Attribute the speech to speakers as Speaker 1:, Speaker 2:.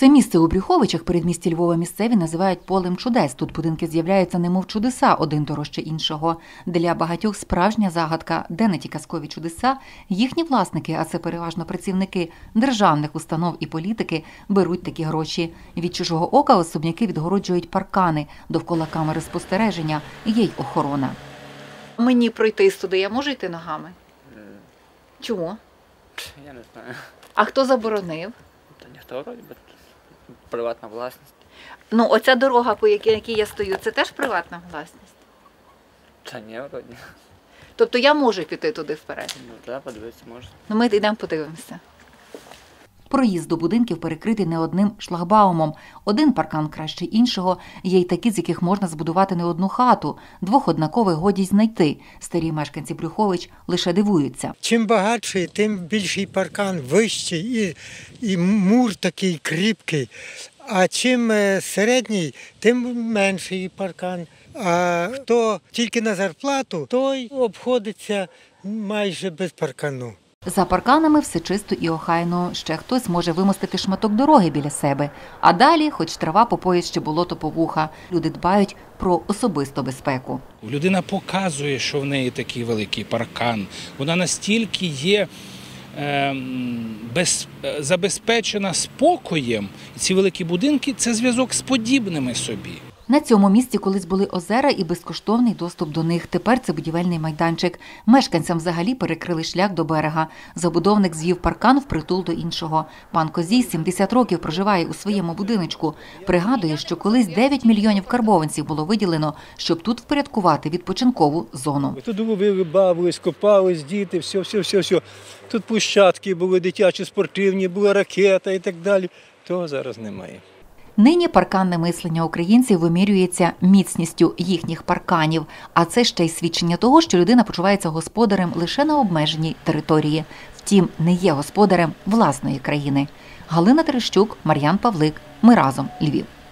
Speaker 1: Це місце у Брюховичах, передмісті Львова, місцеві називають полем чудес. Тут будинки з'являються немов чудеса, один дорожче іншого. Для багатьох справжня загадка, де не ті казкові чудеса, їхні власники, а це переважно працівники державних установ і політики, беруть такі гроші. Від чужого ока особняки відгороджують паркани, довкола камери спостереження, є й охорона. Мені пройти туди, я можу йти ногами? Чому?
Speaker 2: Я не знаю.
Speaker 1: А хто заборонив?
Speaker 2: Та ніхто, вроді би, приватна власність.
Speaker 1: Ну, оця дорога, по якій я стою, це теж приватна власність?
Speaker 2: Та ні, вроді.
Speaker 1: Тобто я можу піти туди вперед?
Speaker 2: Ну так, подивитися можна.
Speaker 1: Ну, ми йдемо подивимося. Проїзд до будинків перекритий не одним шлагбаумом. Один паркан краще іншого. Є й такі, з яких можна збудувати не одну хату. Двох однакових годі знайти. Старі мешканці Брюхович лише дивуються.
Speaker 3: Чим багатший, тим більший паркан, вищий і мур такий кріпкий. А чим середній, тим менший паркан. А хто тільки на зарплату, той обходиться майже без паркану.
Speaker 1: За парканами все чисто і охайно. Ще хтось може вимостити шматок дороги біля себе. А далі, хоч трава по пояс, чи болото по вуха. Люди дбають про особисту безпеку.
Speaker 4: Людина показує, що в неї такий великий паркан. Вона настільки є забезпечена спокоєм. І ці великі будинки – це зв'язок з подібними собі.
Speaker 1: На цьому місці колись були озера і безкоштовний доступ до них. Тепер це будівельний майданчик. Мешканцям взагалі перекрили шлях до берега. Забудовник звів паркан впритул до іншого. Пан Козій 70 років проживає у своєму будиночку. Пригадує, що колись 9 мільйонів карбованців було виділено, щоб тут впорядкувати відпочинкову зону.
Speaker 5: Тут ловили, бавились, копались, діти, все. Тут площадки були дитячі, спортивні, була ракета і так далі. Того зараз немає.
Speaker 1: Нині парканне мислення українців вимірюється міцністю їхніх парканів. А це ще й свідчення того, що людина почувається господарем лише на обмеженій території. Втім, не є господарем власної країни. Галина Терещук, Мар'ян Павлик. Ми разом. Львів.